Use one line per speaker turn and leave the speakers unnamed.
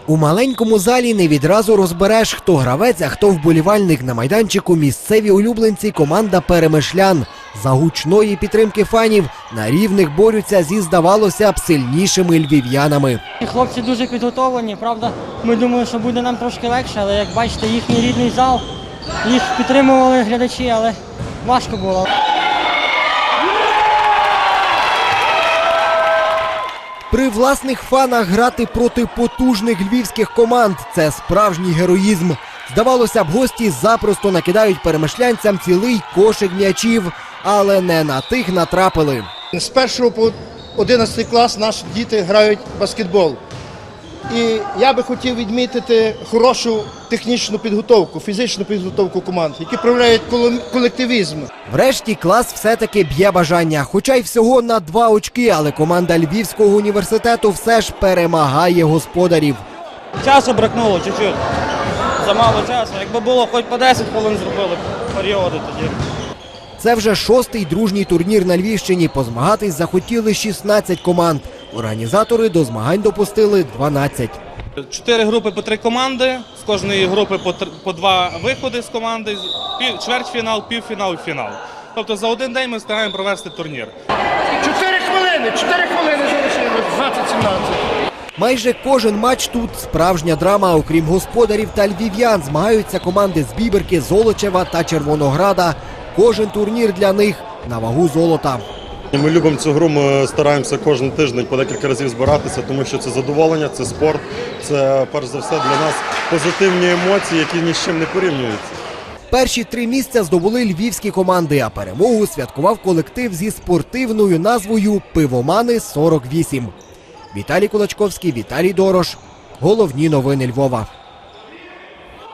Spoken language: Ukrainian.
У маленькому залі не відразу розбереш, хто гравець, а хто вболівальник. На майданчику місцеві улюбленці команда «Перемишлян». За гучної підтримки фанів на рівних борються зі, здавалося б, сильнішими львів'янами.
Хлопці дуже підготовлені, правда, ми думали, що буде нам трошки легше, але як бачите, їхній рідний зал, їх підтримували глядачі, але важко було.
При власних фанах грати проти потужних львівських команд – це справжній героїзм. Здавалося б, гості запросто накидають перемишлянцям цілий кошик м'ячів, але не на тих натрапили.
З 1 по 11 клас наші діти грають в баскетбол. І я би хотів відмітити хорошу технічну підготовку, фізичну підготовку команд, які проявляють колективізм.
Врешті клас все-таки б'є бажання. Хоча й всього на 2 очки, але команда Львівського університету все ж перемагає господарів.
Часу бракнуло чуть-чуть. Замало часу. Якби було хоч по 10 хвилин зробили періоди тоді.
Це вже 6-й дружній турнір на Львівщині. Позмагатись захотіли 16 команд. Організатори до змагань допустили 12.
4 групи по 3 команди, з кожної групи по 2 виходи з команди, чвертьфінал, півфінал і фінал. Тобто за один день ми встигаємо провести турнір.
4 хвилини залишилось, 20-17.
Майже кожен матч тут справжня драма. Окрім господарів та львів'ян, змагаються команди з Біберки, Золочева та Червонограда. Кожен турнір для них на вагу золота.
Ми любимо цю гру, ми стараємося кожен тиждень по декілька разів збиратися, тому що це задоволення, це спорт, це перш за все для нас позитивні емоції, які ні з чим не порівнюються.
Перші 3 місця здобули львівські команди, а перемогу святкував колектив зі спортивною назвою «Пивомани-48». Віталій Кулачковський, Віталій Дорош. Головні новини Львова.